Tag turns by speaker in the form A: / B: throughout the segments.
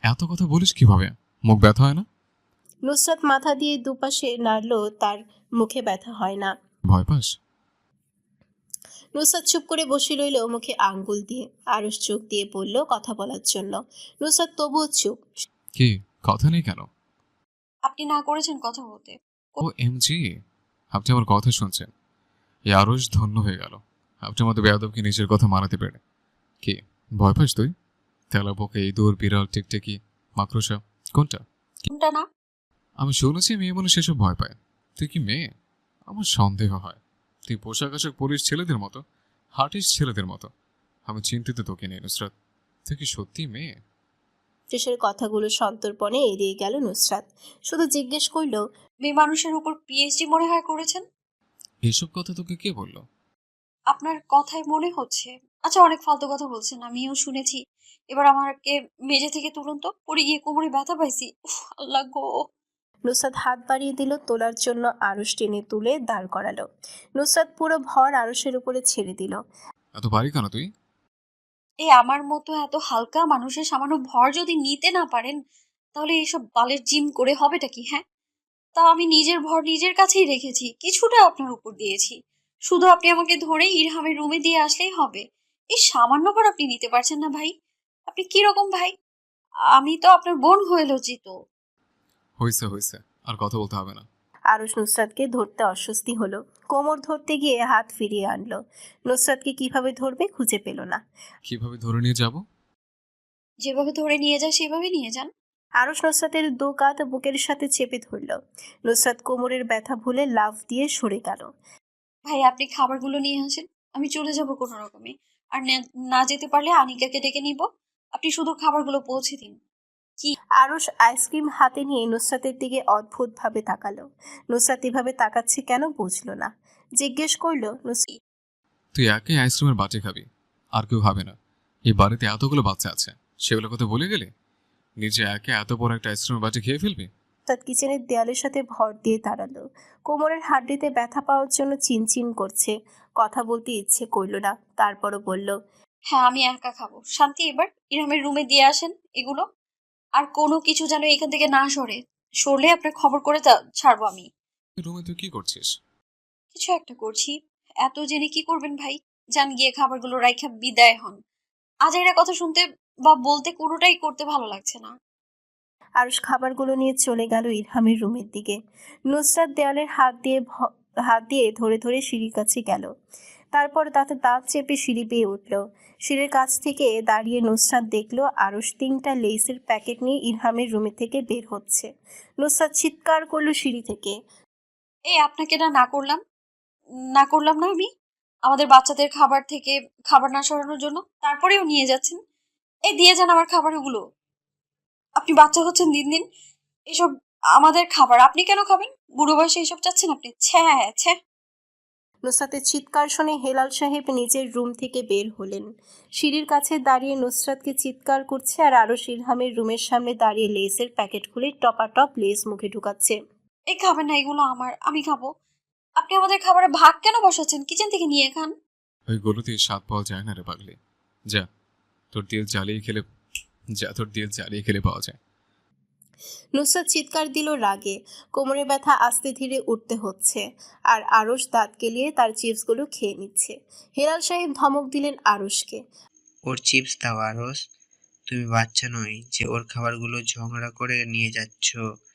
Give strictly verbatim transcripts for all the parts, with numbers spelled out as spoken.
A: এত কথা বলিস কিভাবে? মুখ ব্যথা হয় না?
B: নুসরাত মাথা দিয়ে দুপাশে নাড়ল, তার মুখে ব্যথা হয় না।
A: ভয় পাস?
B: নুসরাত চুপ করে বসে রইল, মুখে আঙ্গুল দিয়ে। আরশ চোখ দিয়ে বলল কথা বলার জন্য। নুসরাত তবুও চুপ।
A: কি কথা নেই কেন?
C: আপনি না করেছেন কথা বলতে।
A: ও এমজি, আপনি আমার কথা শুনছেন? এই আরশ ধন্য হয়ে গেল আপনার মতো বেয়াদবকে নিজের কথা মানাতে পেরে। কি ভয় পাস তুই? তেলাপোকা, ইঁদুর, বিড়াল, টিকটিকি, মাকড়সা, কোনটা?
C: কোনটা না?
A: আমি শুনেছি মেয়ে মানুষ এসব ভয় পায়। তুই কি মেয়ে? আমার সন্দেহ হয়। তুই পোশাক আশাক পরিস ছেলেদের মতো, হাঁটিস ছেলেদের মতো। আমি চিন্তিত তোকে নিয়ে নুসরাত। তুই কি সত্যি মেয়ে?
B: শেষের কথাগুলো সন্তর্পণে এড়িয়ে গেল নুসরাত। শুধু জিজ্ঞেস করল,
C: মেয়ে মানুষের উপর পিএইচডি মনে হয় করেছেন।
A: এসব কথা তোকে কে বললো?
C: আপনার কথায় মনে হচ্ছে। আচ্ছা, অনেক ফালতু কথা বলছেন, আমিও শুনেছি। এবার আমাকে মেঝে থেকে তুলুন তো, পড়ে গিয়ে কোমরে ব্যথা পাইছি। উফ, আল্লাহ গো।
B: নুসরাত হাত বাড়িয়ে দিল, তোলার জন্য। আরশ টেনে তুলে দাঁড় করালো। নুসরাত পুরো ভর আরশের উপরে ছেড়ে দিল।
A: এত ভারী কেন তুই?
C: এই আমার মতো এত হালকা মানুষের সামান্য ভর যদি নিতে না পারেন, তাহলে এইসব বালের জিম করে হবেটা কি? হ্যাঁ, তাও আমি নিজের ভর নিজের কাছেই রেখেছি, কিছুটা আপনার উপর দিয়েছি। শুধু আপনি আমাকে ধরে ইরহামের রুমে দিয়ে আসলেই হবে। এই সামান্য ভর আপনি নিতে পারছেন না ভাই? আপনি কি রকম ভাই? আমি তো আপনার বোন হয়ে লজ্জিত।
A: হয়েছে হয়েছে, আর কথা বলতে হবে না।
B: আরশ নুসরাতকে ধরতে অস্বস্তি হলো। কোমর ধরতে গিয়ে হাত ফিরিয়ে আনলো। নুসরাতকে কিভাবে ধরবে খুঁজে পেল না।
A: কিভাবে ধরে নিয়ে যাব?
C: যেভাবে ধরে নিয়ে যায় সেভাবে নিয়ে যান।
B: আরশ নুসরাতের দু কাঁধ বুকের সাথে চেপে ধরল। নুসরাত কোমরের ব্যথা ভুলে লাফ দিয়ে সরে গেল।
C: ভাই, আপনি খাবারগুলো নিয়ে আসেন, আমি চলে যাব কোনো রকমে। আর না- না যেতে পারলে আনিকাকে ডেকে নিব। আপনি শুধু খাবারগুলো পৌঁছে দিন। কি?
B: আরশ আইসক্রিম হাতে নিয়ে নুসরাতের দিকে অদ্ভুতভাবে তাকালো। নুসরাত এভাবে তাকাচ্ছে কেন বুঝল না। জিজ্ঞেস করল, নুসরাত
A: তুই একাই আইসক্রিমের বাটি খাবি, আর কেউ খাবে না। এই বাড়িতে এতগুলো বাচ্চা আছে, সেগুলো কথা বলে গেলে নিজে একে এত বড় একটা আইসক্রিমের বাটি খেয়ে ফেলবি?
B: কিচেনের দেয়ালের সাথে ভর দিয়ে দাঁড়ালো। কোমরের হাড্ডিতে ব্যথা পাওয়ার জন্য চিনচিন করছে। কথা বলতে ইচ্ছে করল না, তারপরও বলল,
C: হ্যাঁ, আমি একা খাবো। শান্তি, এবার ইরহামের রুমে দিয়ে আসেন এগুলো। আর কোনো কিছু যেন এখান থেকে না সরে। সরলে আপনার খবর করে তা ছাড়বো আমি।
A: রুমে তুই কি করছিস?
C: কিছু একটা করছি। এত জেনে কি করবেন ভাই? যান গিয়ে খাবারগুলো রাইখা বিদায় হন। আজ এরা কথা শুনতে বা বলতে কোনোটাই করতে ভালো লাগছে না।
B: আরুষ খাবারগুলো নিয়ে চলে গেল ইরহামের রুমের দিকে। নুসরাত দেয়ালের হাত দিয়ে ভ- হাত দিয়ে ধরে ধরে সিঁড়ির কাছে গেল। তারপর তাতে দাঁত চেপে সিঁড়ি পেয়ে উঠল। সিঁড়ির কাছ থেকে দাঁড়িয়ে নুসরাত দেখল আরুষ তিনটা লেসের প্যাকেট নিয়ে ইরহামের রুমে থেকে বের হচ্ছে। নুসরাত চিৎকার করলো সিঁড়ি থেকে।
C: এই আপনাকে না না করলাম, না করলাম না আমি? আমাদের বাচ্চাদের খাবার থেকে খাবার না সরানোর জন্য, তারপরেও নিয়ে যাচ্ছেন। এই দিয়ে যান আমার খাবারগুলো। আপনি বাচ্চা হচ্ছেন দিন দিন। এসব আমাদের খাবার আপনি কেন খাবেন? বুড়ো বয়সে এইসব চাচ্ছেন আপনি? ছ্যা ছ্যা।
B: নুসরাতের চিৎকার শুনে হেলাল সাহেব নিজের রুম থেকে বের হলেন। সিঁড়ির কাছে দাঁড়িয়ে নুসরাতকে চিৎকার করছে, আর আরও ইরহামের রুমের সামনে দাঁড়িয়ে লেসের প্যাকেট খুলে টপাটপ লেস মুখে ঢুকাচ্ছে।
C: এই খাবেন না, এগুলো আমার, আমি খাবো। আপনি আমাদের খাবারে ভাগ কেন বসাচ্ছেন? কিচেন থেকে নিয়ে খান।
A: ওই গরুতে স্বাদ পাওয়া যায় না রে পাগলি। যা, তোর তেল জ্বালিয়ে খেলে যা তোর তেল জ্বালিয়ে খেলে পাওয়া যায়।
B: নুসরাত চিৎকার দিল রাগে। কোমরে ব্যথা আস্তে ধীরে উঠতে হচ্ছে, আর আরশ দাঁত কেলিয়ে তার চিপসগুলো খেয়ে নিচ্ছে। হেলাল সাহেব ধমক দিলেন আরশকে।
D: ওর চিপস দাও আরস। তুমি বাচ্চা নই যে ওর খাবারগুলো ঝগড়া করে নিয়ে যাচ্ছ,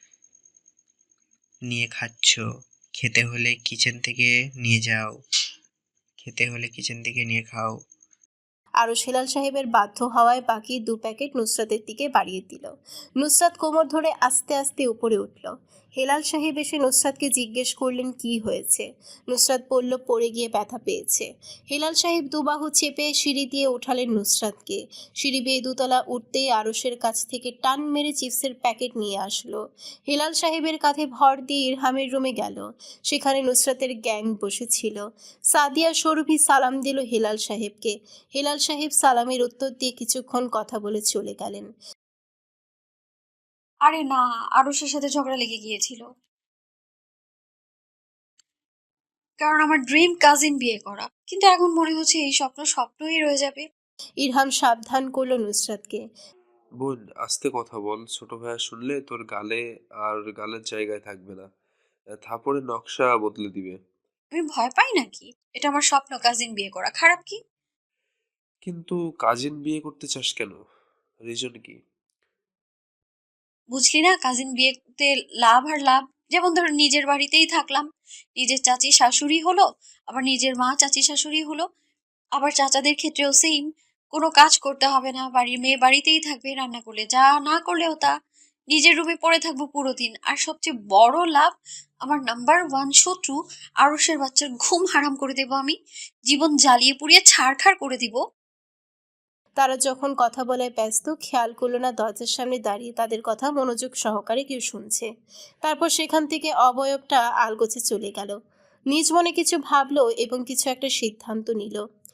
D: নিয়ে খাচ্ছ। খেতে হলে কিচেন থেকে নিয়ে যাও, খেতে হলে কিচেন থেকে নিয়ে খাও।
B: আরশ হেলাল সাহেবের বাধ্য হওয়ায় বাকি দু প্যাকেট নুসরাতের দিকে বাড়িয়ে দিল। নুসরাত কোমর ধরে আস্তে আস্তে উপরে উঠল। হেলাল সাহেব এসে নুসরাতকে জিজ্ঞেস করলেন কি হয়েছে। নুসরাত বলল পড়ে গিয়ে ব্যথা পেয়েছে। হেলাল সাহেব দুবাহু চেপে সিঁড়ি দিয়ে ওঠালেন নুসরাতকে। সিঁড়ি বেয়ে দুতলা উঠতেই আরশের কাছ থেকে টান মেরে চিপসের প্যাকেট নিয়ে আসলো। হেলাল সাহেবের কাঁধে ভর দিয়ে ইরহামের রুমে গেল। সেখানে নুসরাতের গ্যাং বসেছিল। সাদিয়া সরভি সালাম দিল হেলাল সাহেবকে। হেলাল সাহেব সালামের উত্তর দিয়ে কিছুক্ষণ কথা বলে চলে গেলেন।
C: আরে না, আরুষের সাথে ঝগড়া লেগে গিয়েছিল। কারণ আমার ড্রিম কাজিন বিয়ে করা, কিন্তু এখন মনে হচ্ছে এই স্বপ্ন স্বপ্নই রয়ে যাবে।
B: ইরহাম সাবধান করল নুসরাতকে।
E: বোন, আস্তে কথা বল। ছোট ভাইয়া শুনলে তোর গালে আর গালের জায়গায় থাকবে না। আহ, থাপড়ে নকশা বদলে দিবে।
C: আমি ভয় পাই নাকি? এটা আমার স্বপ্ন কাজিন বিয়ে করা, খারাপ কি?
E: কিন্তু কাজিন বিয়ে করতে চাস কেন? রিজন কি?
C: বুঝলি না, কাজিন বিয়েতে লাভ আর লাভ। যেমন ধরো নিজের বাড়িতেই থাকলাম, নিজের চাচি শাশুড়ি হলো, আবার নিজের মা চাচি শাশুড়ি হলো, আবার চাচাদের ক্ষেত্রেও সেম। কোনো কাজ করতে হবে না, বাড়ির মেয়ে বাড়িতেই থাকবে, রান্না করলে যা, না করলেও তা। নিজের রুমে পড়ে থাকবো পুরো দিন। আর সবচেয়ে বড় লাভ, আমার নাম্বার ওয়ান শত্রু আরসের বাচ্চার ঘুম হারাম করে দেবো আমি, জীবন জ্বালিয়ে পুড়িয়ে ছাড়খাড় করে দিব।
B: তারা যখন কথা বলে ব্যস্ত, খেয়াল করলো না দরজার সামনে দাঁড়িয়ে তাদের কথা মনোযোগ সহকারে কেউ শুনছে। তারপর সেখান থেকে অবয়বটা আলগোছে চলে গেল। নিজ মনে কিছু ভাবলো এবং কিছু একটা সিদ্ধান্ত নিল।